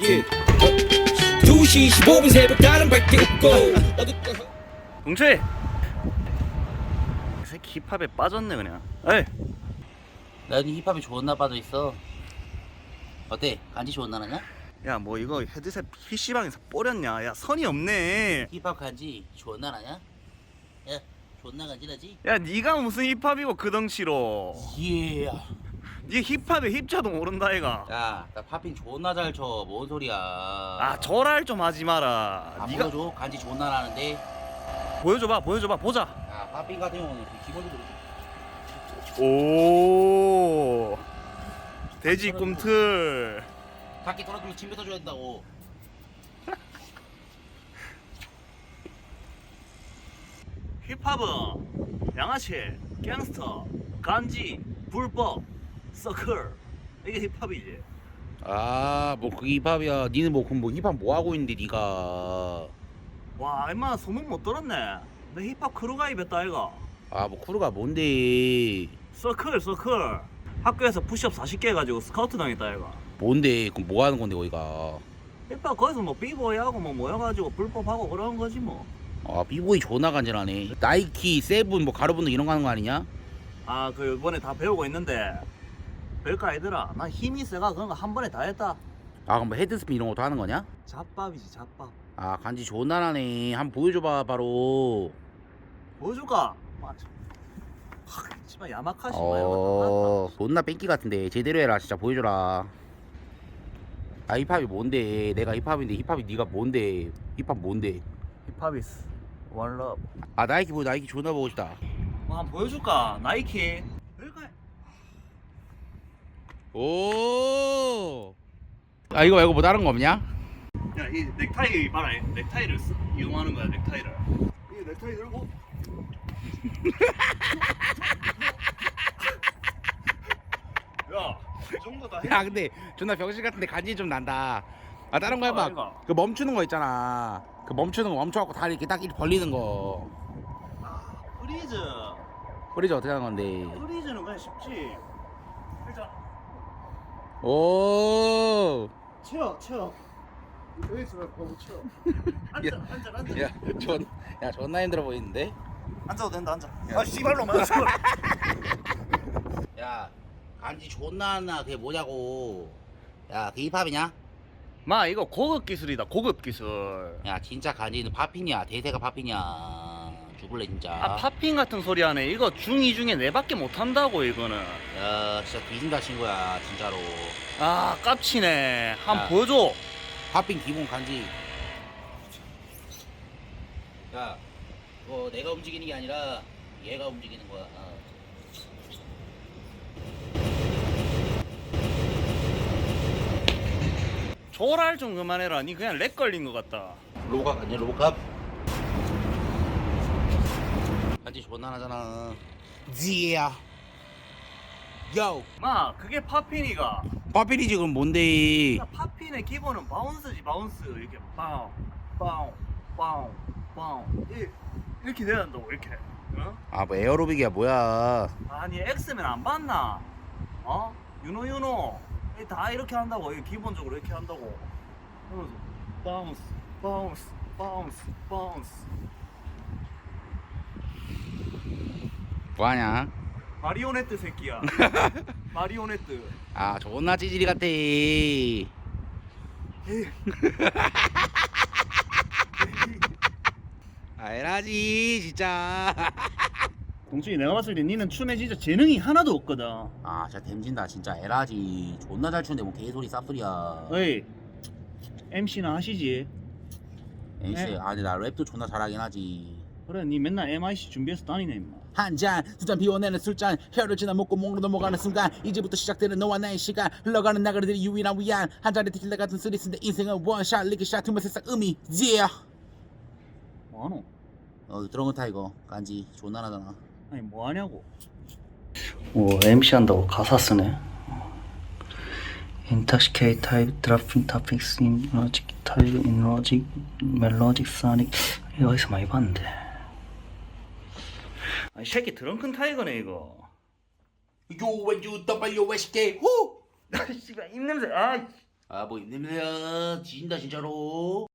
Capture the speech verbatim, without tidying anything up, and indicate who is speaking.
Speaker 1: 두 시 십오 분 새벽 다른 밝게 웃고
Speaker 2: 동철이 이 새끼 힙합에 빠졌네 그냥. 에이
Speaker 3: 난 힙합이 좋은 나빠도 있어. 어때? 간지 좋은 나라냐?
Speaker 2: 야 뭐 이거 헤드셋 피씨방에서 뽀렸냐. 야 선이 없네.
Speaker 3: 힙합 간지 좋은 나라냐? 야 존나 간지나지?
Speaker 2: 야 니가 무슨 힙합이고 그 덩치로.
Speaker 3: 예.
Speaker 2: 니 힙합에 힙자도 모른다 이가.
Speaker 3: 야, 나 팝핑 존나 잘 쳐. 뭔 소리야?
Speaker 2: 아 절할 좀 하지 마라.
Speaker 3: 아,
Speaker 2: 니가
Speaker 3: 보여줘. 간지 좋은 나라는데.
Speaker 2: 보여줘봐 보여줘봐 보자.
Speaker 3: 야, 팝핑 같은 경우는 그 기본적으로
Speaker 2: 오 돼지 꿈틀.
Speaker 3: 각기 떨어뜨리고 침 뱉어줘야 된다고.
Speaker 2: 힙합은 양아치, 갱스터, 간지, 불법, 서클 이게 힙합이지.
Speaker 3: 아, 뭐 그 힙합이야. 니는 뭐 그럼 뭐 힙합 뭐 하고 있는데 니가?
Speaker 2: 와 임마 소문 못 들었네. 내 힙합 크루 가입했다 이가.
Speaker 3: 아, 뭐 크루가 뭔데?
Speaker 2: 서클 서클 학교에서 푸시업 사십 개 해가지고 스카우트 당했다 이가.
Speaker 3: 뭔데? 그럼 뭐 하는 건데 거기가?
Speaker 2: 힙합 거기서 뭐 비보이하고 뭐 모여가지고 불법하고 그러는 거지 뭐.
Speaker 3: 아, 비보이 존나 간지나네. 나이키, 세븐, 뭐 가로분들 이런 거 하는 거 아니냐?
Speaker 2: 아 그 이번에 다 배우고 있는데 별거 아니더라. 나 힘이 세가 그런 거 한 번에 다 했다.
Speaker 3: 아, 그럼 뭐 헤드스핀 이런 것도 하는 거냐?
Speaker 2: 잡밥이지 잡밥.
Speaker 3: 아, 간지 좋은 나라네. 한번 보여줘봐 바로.
Speaker 2: 보여줄까? 맞아. 씨발 야마카시 뭐
Speaker 3: 어, 존나 뺑기 같은데 제대로 해라. 진짜 보여줘라. 아, 힙합이 뭔데? 내가 힙합인데 힙합이 네가 뭔데? 힙합 뭔데?
Speaker 2: 힙합이스 원럽.
Speaker 3: 아, 나이키 보여. 나이키 존나 보고 싶다.
Speaker 2: 뭐 한번 보여줄까? 나이키. 별거 아니-
Speaker 3: 오. 아, 이거 말고 뭐 다른 거 없냐?
Speaker 2: 야, 이 넥타이 봐라. 이 넥타이를 쓰, 이용하는 거야, 넥타이를. 이 넥타이 들고. 야, 이 정도 다 해.
Speaker 3: 야, 근데 존나 병신 같은데 간지 좀 난다. 아, 다른 거 해봐.
Speaker 2: 이거.
Speaker 3: 그 멈추는 거 있잖아. 그 멈추는 거 멈춰갖고 다리 이렇게 딱 이렇게 벌리는 거.
Speaker 2: 프리즈.
Speaker 3: 프리즈 어떻게 하는 건데?
Speaker 2: 프리즈는 그냥 쉽지. 일단
Speaker 3: 오.
Speaker 2: 채워, 채워. 여기서 보고 채워. 앉아,
Speaker 3: 야.
Speaker 2: 앉아, 앉아.
Speaker 3: 야, 존, 야, 존나 힘들어 보이는데?
Speaker 2: 앉아도 된다, 앉아. 아, 씨발로 맞아.
Speaker 3: 야, 간지 존나 하나 그게 뭐냐고. 야, 그 힙합이냐?
Speaker 2: 마, 이거 고급 기술이다, 고급 기술.
Speaker 3: 야, 진짜 간지는 팝핀이야. 대세가 팝핀이야. 죽을래 진짜.
Speaker 2: 아, 팝핑 같은 소리 하네. 이거 중이 중에 내밖에 못 한다고 이거는.
Speaker 3: 야, 진짜 뒤진다 친구야, 진짜로.
Speaker 2: 아, 깝치네. 한
Speaker 3: 야.
Speaker 2: 번 보여줘.
Speaker 3: 팝핀 기본 간지. 야, 뭐 내가 움직이는 게 아니라 얘가 움직이는 거야. 어.
Speaker 2: 조랄 좀 그만해라. 니 그냥 렉 걸린 것 같다.
Speaker 3: 로봇캅 아니야, 로봇캅? 간지 존나 하잖아. 지야. 요.
Speaker 2: 마, 그게 팝핀이가.
Speaker 3: 팝핀이 지금 뭔데?
Speaker 2: 팝핀의 기본은 바운스지, 바운스. 이렇게 빵, 빵, 빵, 빵. 이- 이렇게 돼야 한다고, 이렇게. 어?
Speaker 3: 아, 뭐 에어로빅이야 뭐야?
Speaker 2: 아니, 엑스맨 안 봤나? 어? 유노 유노. 이 다 이렇게 한다고. 이 기본적으로 이렇게 한다고. 그러면서 바운스, 바운스, 바운스, 바운스.
Speaker 3: 뭐하냐?
Speaker 2: 마리오네트 새끼야. 마리오네트.
Speaker 3: 아, 존나 찌질이 같아. 아, 에라지 진짜.
Speaker 2: 동준이 내가 봤을 때 니는 춤에 진짜 재능이 하나도 없거든.
Speaker 3: 아, 진짜 댐진다 진짜. 에라지 존나 잘 추는데 뭐 개소리 쌉소리야.
Speaker 2: 어이, 엠씨나 하시지.
Speaker 3: 엔씨,
Speaker 2: 네.
Speaker 3: 아, 근데 나 랩도 존나 잘하긴 하지.
Speaker 2: 그래, 니 맨날 엠아이씨 준비해서 다니네 임마.
Speaker 3: 한 잔, 두 잔 비워내는 술잔, 혀를 지나 먹고 목으로 넘어가는 순간 이제부터 시작되는 너와 나의 시간. 흘러가는 나그네들이 유일한 위안. 한 잔의 테킬라 같은 쓰리스인데 인생은 원샷, 리그샷, 투면 세상 의미. Yeah.
Speaker 2: 뭐하노?
Speaker 3: 어, 드렁큰 타이거 간지 존나 나잖아.
Speaker 2: 아니 뭐하냐고. 오, 엠씨 한다고 가사 쓰네. Intoxicate type, dropping topics in logic, type in logic, melodic, sonic. 이거 어디서 많이 봤는데. 아, 이 새끼 드렁큰 타이거네 이거.
Speaker 3: 요 왼주 W S K 후.
Speaker 2: 씨발 입냄새. 아,
Speaker 4: 아 뭐 힘듭니다. 진다 진짜로.